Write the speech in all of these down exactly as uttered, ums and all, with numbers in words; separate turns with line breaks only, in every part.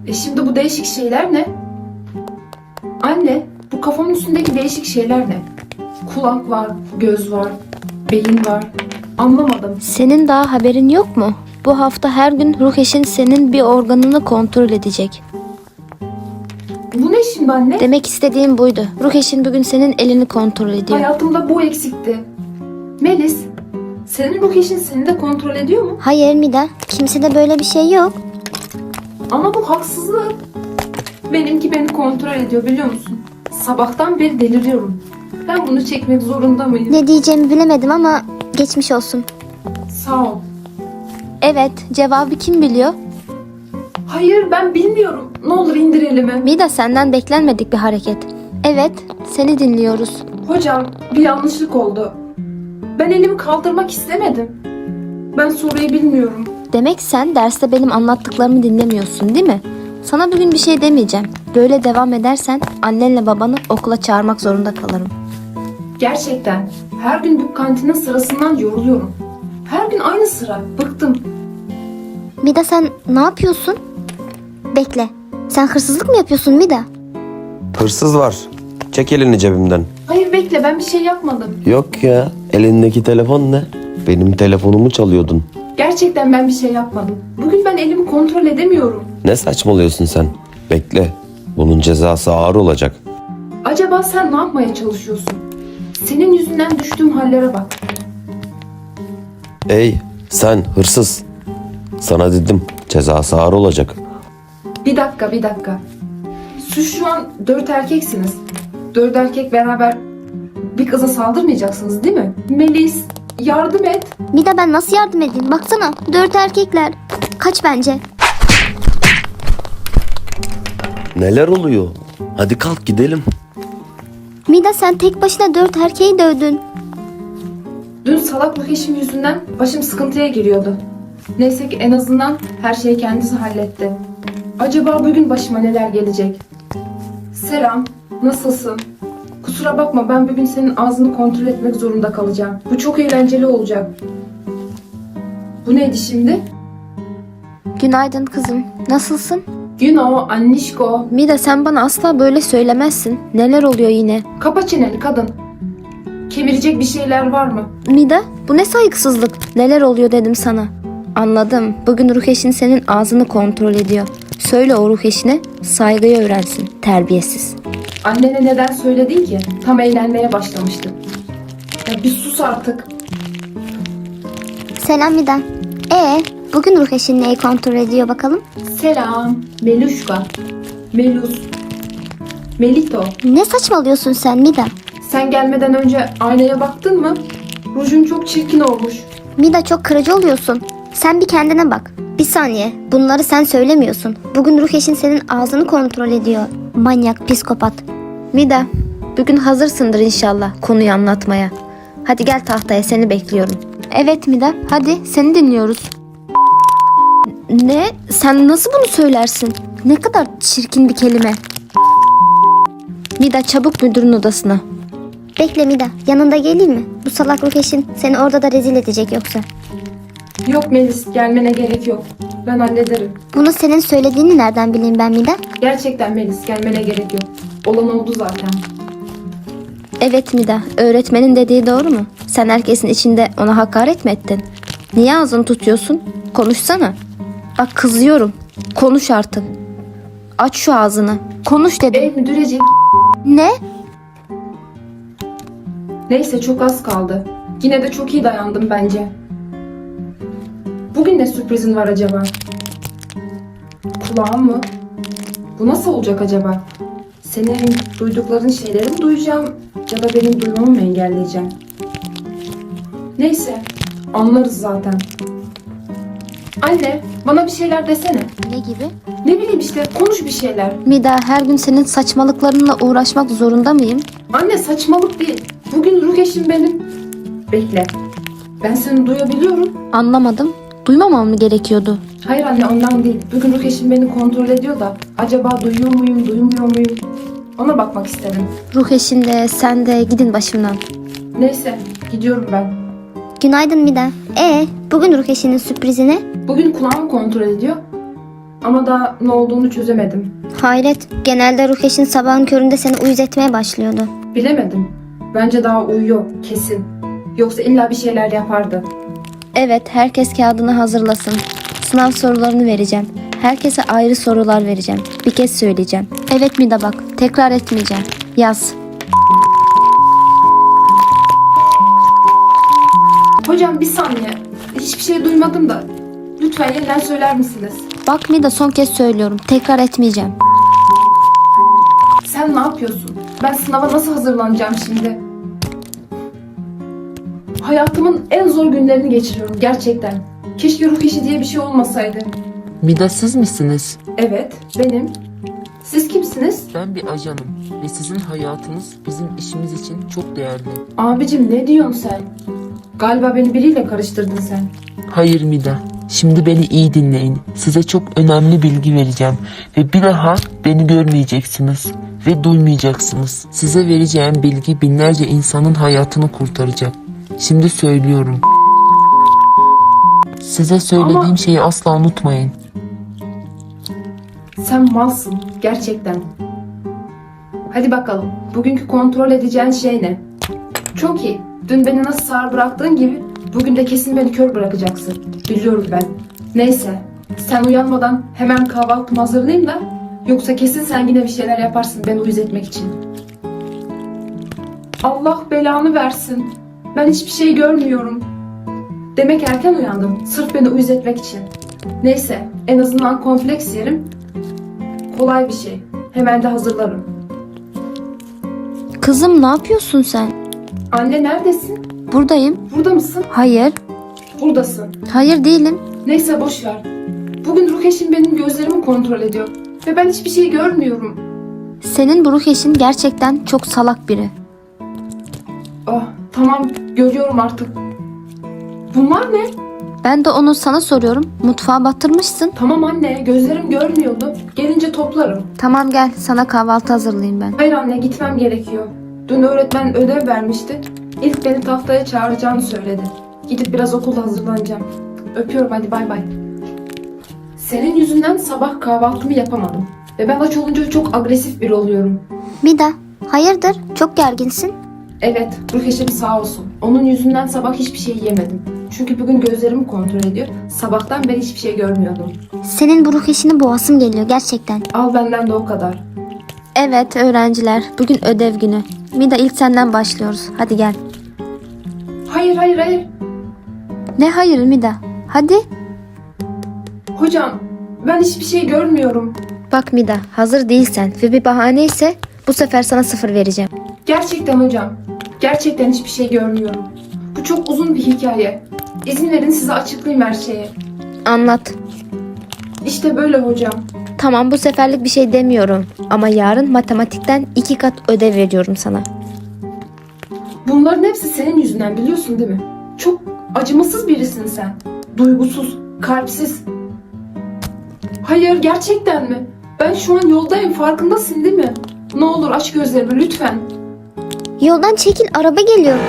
E şimdi bu değişik şeyler ne? Anne, bu kafamın üstündeki değişik şeyler ne? Kulak var, göz var, beyin var. Anlamadım.
Senin daha haberin yok mu? Bu hafta her gün ruh eşin senin bir organını kontrol edecek.
Bu ne şimdi anne?
Demek istediğim buydu. Ruh eşin bugün senin elini kontrol ediyor.
Hayatımda bu eksikti. Melis, senin ruh eşin seni de kontrol ediyor mu?
Hayır Mida, kimsede böyle bir şey yok.
Ama bu haksızlık. Benimki beni kontrol ediyor biliyor musun? Sabahtan beri deliriyorum. Ben bunu çekmek zorunda mıyım?
Ne diyeceğimi bilemedim ama geçmiş olsun.
Sağ ol.
Evet, cevabı kim biliyor?
Hayır ben bilmiyorum. Ne olur indir elimi.
Mida, senden beklenmedik bir hareket. Evet, seni dinliyoruz.
Hocam bir yanlışlık oldu. Ben elimi kaldırmak istemedim. Ben soruyu bilmiyorum.
Demek sen derste benim anlattıklarımı dinlemiyorsun, değil mi? Sana bugün bir şey demeyeceğim. Böyle devam edersen annenle babanı okula çağırmak zorunda kalırım.
Gerçekten her gün bu kantinin sırasından yoruluyorum. Her gün aynı sıra. Bıktım.
Mida sen ne yapıyorsun? Bekle. Sen hırsızlık mı yapıyorsun Mida?
Hırsız var. Çek elini cebimden.
Hayır bekle ben bir şey yapmadım.
Yok ya. Elindeki telefon ne? Benim telefonumu çalıyordun.
Gerçekten ben bir şey yapmadım. Bugün ben elimi kontrol edemiyorum.
Ne saçmalıyorsun sen? Bekle. Bunun cezası ağır olacak.
Acaba sen ne yapmaya çalışıyorsun? Senin yüzünden düştüğüm hallere bak.
Ey sen hırsız. Sana dedim cezası ağır olacak.
Bir dakika bir dakika. Siz şu an dört erkeksiniz. Dört erkek beraber bir kıza saldırmayacaksınız değil mi? Melis yardım et.
Mida ben nasıl yardım edeyim? Baksana dört erkekler. Kaç bence.
Neler oluyor? Hadi kalk gidelim.
Mida sen tek başına dört erkeği dövdün.
Dün salak ruh eşim yüzünden başım sıkıntıya giriyordu. Neyse ki en azından her şeyi kendisi halletti. Acaba bugün başıma neler gelecek? Selam, nasılsın? Kusura bakma ben bugün senin ağzını kontrol etmek zorunda kalacağım. Bu çok eğlenceli olacak. Bu neydi şimdi?
Günaydın kızım. Nasılsın?
Güno, annişko.
Mida, sen bana asla böyle söylemezsin. Neler oluyor yine?
Kapa çeneni kadın. Kemirecek bir şeyler var mı?
Mida, bu ne saygısızlık? Neler oluyor dedim sana. Anladım. Bugün ruh eşin senin ağzını kontrol ediyor. Söyle o ruh eşine saygıyı öğrensin. Terbiyesiz.
Annene neden söyledin ki? Tam eğlenmeye başlamıştık. Ya bir sus artık.
Selam Mida. Ee, bugün ruh eşin neyi kontrol ediyor bakalım?
Selam. Meluşka. Melus. Melito.
Ne saçmalıyorsun sen Mida?
Sen gelmeden önce aynaya baktın mı? Rujun çok çirkin olmuş.
Mida çok kırıcı oluyorsun. Sen bir kendine bak. Bir saniye. Bunları sen söylemiyorsun. Bugün ruh eşin senin ağzını kontrol ediyor. Manyak, psikopat.
Mida, bugün hazırsındır inşallah konuyu anlatmaya. Hadi gel tahtaya, seni bekliyorum. Evet Mida, hadi seni dinliyoruz. Ne? Sen nasıl bunu söylersin? Ne kadar çirkin bir kelime. Mida, çabuk müdürün odasına.
Bekle Mida. Yanında geleyim mi? Bu salak ruh eşin seni orada da rezil edecek yoksa.
Yok Melis gelmene gerek yok. Ben hallederim.
Bunu senin söylediğini nereden bileyim ben Mida?
Gerçekten Melis gelmene gerek yok. Olan oldu zaten.
Evet Mida, öğretmenin dediği doğru mu? Sen herkesin içinde ona hakaret mi ettin? Niye ağzını tutuyorsun? Konuşsana. Bak kızıyorum. Konuş artık. Aç şu ağzını. Konuş dedim.
Ey müdürecik.
Ne?
Neyse çok az kaldı. Yine de çok iyi dayandım bence. Bugün ne sürprizin var acaba? Kulağım mı? Bu nasıl olacak acaba? Senin duydukların şeyleri mi duyacağım ya da benim duymamı mı engelleyeceğim? Neyse anlarız zaten. Anne bana bir şeyler desene.
Ne gibi?
Ne bileyim işte konuş bir şeyler.
Mida, her gün senin saçmalıklarınla uğraşmak zorunda mıyım?
Anne saçmalık değil. Bugün ruh eşim benim. Bekle. Ben seni duyabiliyorum.
Anlamadım. Duymamam mı gerekiyordu?
Hayır anne ondan değil. Bugün ruh eşim beni kontrol ediyor da acaba duyuyor muyum, duymuyor muyum? Ona bakmak istedim.
Ruh eşin de sen de gidin başımdan.
Neyse gidiyorum ben.
Günaydın Mida. Ee, bugün ruh eşinin sürprizi ne?
Bugün kulağımı kontrol ediyor. Ama daha ne olduğunu çözemedim.
Hayret, genelde ruh eşin sabahın köründe seni uyuz etmeye başlıyordu.
Bilemedim. Bence daha uyuyor kesin. Yoksa illa bir şeyler yapardı.
Evet, herkes kağıdını hazırlasın. Sınav sorularını vereceğim. Herkese ayrı sorular vereceğim. Bir kez söyleyeceğim. Evet Mida bak, tekrar etmeyeceğim. Yaz.
Hocam bir saniye. Hiçbir şey duymadım da. Lütfen yeniden söyler misiniz?
Bak Mida, son kez söylüyorum. Tekrar etmeyeceğim.
Sen ne yapıyorsun? Ben sınava nasıl hazırlanacağım şimdi? Hayatımın en zor günlerini geçiriyorum gerçekten. Keşke ruh işi diye bir şey olmasaydı.
Mida siz misiniz?
Evet, benim. Siz kimsiniz?
Ben bir ajanım ve sizin hayatınız bizim işimiz için çok değerli.
Abicim ne diyorsun sen? Galiba beni biriyle karıştırdın sen.
Hayır Mida, şimdi beni iyi dinleyin. Size çok önemli bilgi vereceğim ve bir daha beni görmeyeceksiniz ve duymayacaksınız. Size vereceğim bilgi binlerce insanın hayatını kurtaracak. Şimdi söylüyorum. Size söylediğim
Ama-
şeyi asla unutmayın.
Sen malsın gerçekten. Hadi bakalım. Bugünkü kontrol edeceğin şey ne? Çok iyi. Dün beni nasıl sağır bıraktığın gibi bugün de kesin beni kör bırakacaksın. Biliyorum ben. Neyse. Sen uyanmadan hemen kahvaltımı hazırlayayım da yoksa kesin sen yine bir şeyler yaparsın beni uyuz etmek için. Allah belanı versin. Ben hiçbir şey görmüyorum. Demek erken uyandım. Sırf beni uyuz etmek için. Neyse. En azından kompleks yerim. Kolay bir şey. Hemen de hazırlarım.
Kızım ne yapıyorsun sen?
Anne neredesin?
Buradayım.
Burada mısın?
Hayır.
Buradasın.
Hayır değilim.
Neyse boş ver. Bugün ruh eşim benim gözlerimi kontrol ediyor. Ve ben hiçbir şey görmüyorum.
Senin bu ruh eşin gerçekten çok salak biri.
Ah tamam görüyorum artık. Bunlar ne?
Ben de onu sana soruyorum. Mutfağa batırmışsın.
Tamam anne gözlerim görmüyordu. Gelince toplarım.
Tamam gel, sana kahvaltı hazırlayayım ben.
Hayır anne gitmem gerekiyor. Dün öğretmen ödev vermişti. İlk beni tahtaya çağıracağını söyledi. Gidip biraz okulda hazırlanacağım. Öpüyorum hadi bay bay. Senin yüzünden sabah kahvaltımı yapamadım. Ve ben aç olunca çok agresif biri oluyorum.
Mida, hayırdır? Çok gerginsin.
Evet, ruh eşim sağ olsun. Onun yüzünden sabah hiçbir şey yemedim. Çünkü bugün gözlerimi kontrol ediyor. Sabahtan beri hiçbir şey görmüyordum.
Senin bu ruh eşini boğasım geliyor gerçekten.
Al benden de o kadar.
Evet öğrenciler, bugün ödev günü. Mida ilk senden başlıyoruz. Hadi gel.
Hayır hayır hayır.
Ne hayır Mida? Hadi.
Hocam ben hiçbir şey görmüyorum.
Bak Mida, hazır değilsen ve bir bahane ise bu sefer sana sıfır vereceğim.
Gerçekten hocam. Gerçekten hiçbir şey görmüyorum. Bu çok uzun bir hikaye. İzin verin size açıklayayım her şeyi.
Anlat.
İşte böyle hocam.
Tamam, bu seferlik bir şey demiyorum. Ama yarın matematikten iki kat ödev veriyorum sana.
Bunların hepsi senin yüzünden biliyorsun değil mi? Çok acımasız birisin sen. Duygusuz, kalpsiz. Hayır gerçekten mi? Ben şu an yoldayım farkındasın değil mi? Ne olur aç gözlerimi lütfen.
Yoldan çekil, araba geliyor.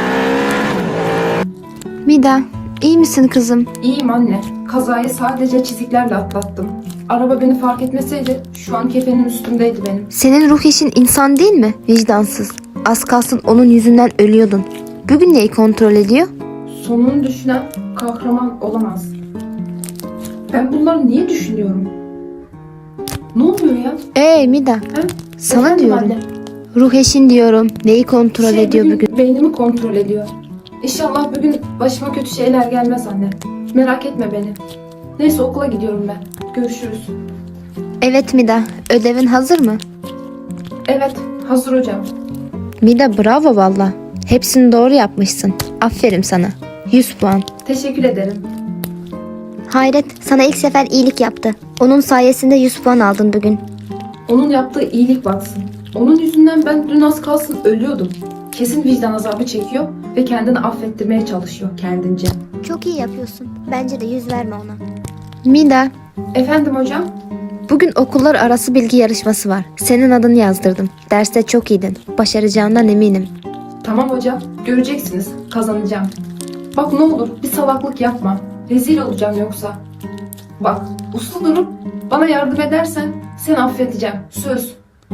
Mida, iyi misin kızım?
İyiyim anne. Kazayı sadece çiziklerle atlattım. Araba beni fark etmeseydi şu an kefenin üstündeydi benim.
Senin ruh eşin insan değil mi? Vicdansız. Az kalsın onun yüzünden ölüyordun. Bugün neyi kontrol ediyor?
Sonunu düşünen kahraman olamaz. Ben bunları niye düşünüyorum? Ne oluyor ya?
Ee Mida,
He?
sana
Efendim
diyorum.
anne?
Ruh eşin diyorum. Neyi kontrol
Şey,
ediyor bugün?
Beynimi kontrol ediyor. İnşallah bugün başıma kötü şeyler gelmez anne. Merak etme beni. Neyse okula gidiyorum ben. Görüşürüz.
Evet Mida, ödevin hazır mı?
Evet hazır hocam.
Mida bravo valla. Hepsini doğru yapmışsın. Aferin sana. yüz puan.
Teşekkür ederim.
Hayret, sana ilk sefer iyilik yaptı. Onun sayesinde yüz puan aldın bugün.
Onun yaptığı iyilik baksın. Onun yüzünden ben dün az kalsın ölüyordum. Kesin vicdan azabı çekiyor ve kendini affettirmeye çalışıyor kendince.
Çok iyi yapıyorsun. Bence de yüz verme ona.
Mida,
Efendim hocam?
bugün okullar arası bilgi yarışması var. Senin adını yazdırdım. Derste çok iyiydin. Başaracağından eminim.
Tamam hocam. Göreceksiniz. Kazanacağım. Bak ne olur bir salaklık yapma. Rezil olacağım yoksa. Bak, uslu durup bana yardım edersen seni affedeceğim. Söz.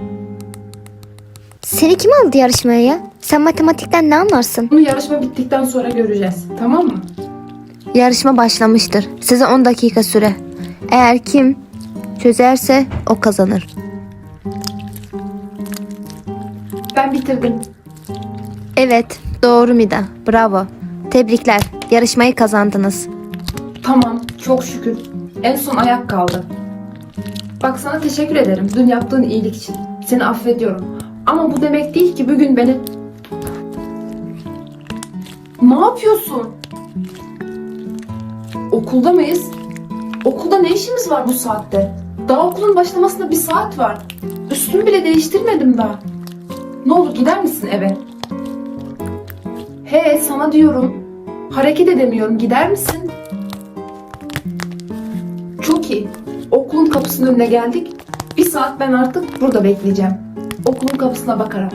Seni kim aldı yarışmaya ya? Sen matematikten ne anlarsın?
Bunu yarışma bittikten sonra göreceğiz. Tamam mı?
Yarışma başlamıştır. Size on dakika süre. Eğer kim çözerse o kazanır.
Ben bitirdim.
Evet, doğru Mida. Bravo. Tebrikler. Yarışmayı kazandınız.
Tamam, çok şükür. En son ayak kaldı. Bak, sana teşekkür ederim dün yaptığın iyilik için. Seni affediyorum. Ama bu demek değil ki bugün beni... Ne yapıyorsun? Okulda mıyız? Okulda ne işimiz var bu saatte? Daha okulun başlamasına bir saat var. Üstümü bile değiştirmedim daha. Ne olur gider misin eve? He, sana diyorum. Hareket edemiyorum, gider misin? Çok iyi. Okulun kapısının önüne geldik. Bir saat ben artık burada bekleyeceğim. Okulun kapısına bakarak.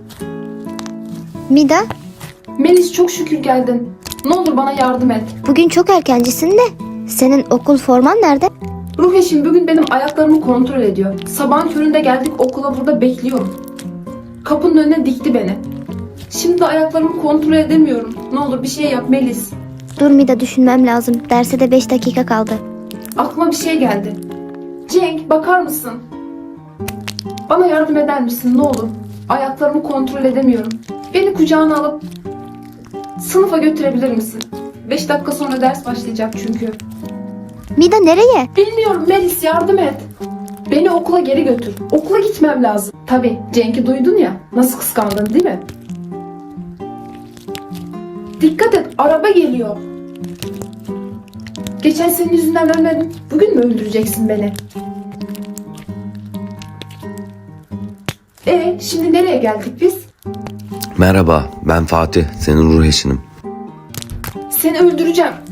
Mida,
Melis, çok şükür geldin. Ne olur bana yardım et.
bugün çok erkencisin de. Senin okul forman nerede?
Ruh eşim bugün benim ayaklarımı kontrol ediyor. Sabahın köründe geldik, okula burada bekliyorum. Kapının önüne dikti beni. Şimdi ayaklarımı kontrol edemiyorum. Ne olur bir şey yap Melis.
Dur Mida, düşünmem lazım. Derse de beş dakika kaldı.
Aklıma bir şey geldi. Cenk, bakar mısın? Bana yardım eder misin ne olur? Ayaklarımı kontrol edemiyorum. Beni kucağına alıp sınıfa götürebilir misin? Beş dakika sonra ders başlayacak çünkü.
Mida, nereye?
Bilmiyorum Melis, yardım et. Beni okula geri götür. Okula gitmem lazım. Tabii, Cenk'i duydun ya. Nasıl kıskandın değil mi? Dikkat et, araba geliyor. Geçen senin yüzünden ölmedim. Bugün mü öldüreceksin beni? E şimdi nereye geldik biz?
Merhaba, ben Fatih, senin ruh eşinim.
Seni öldüreceğim.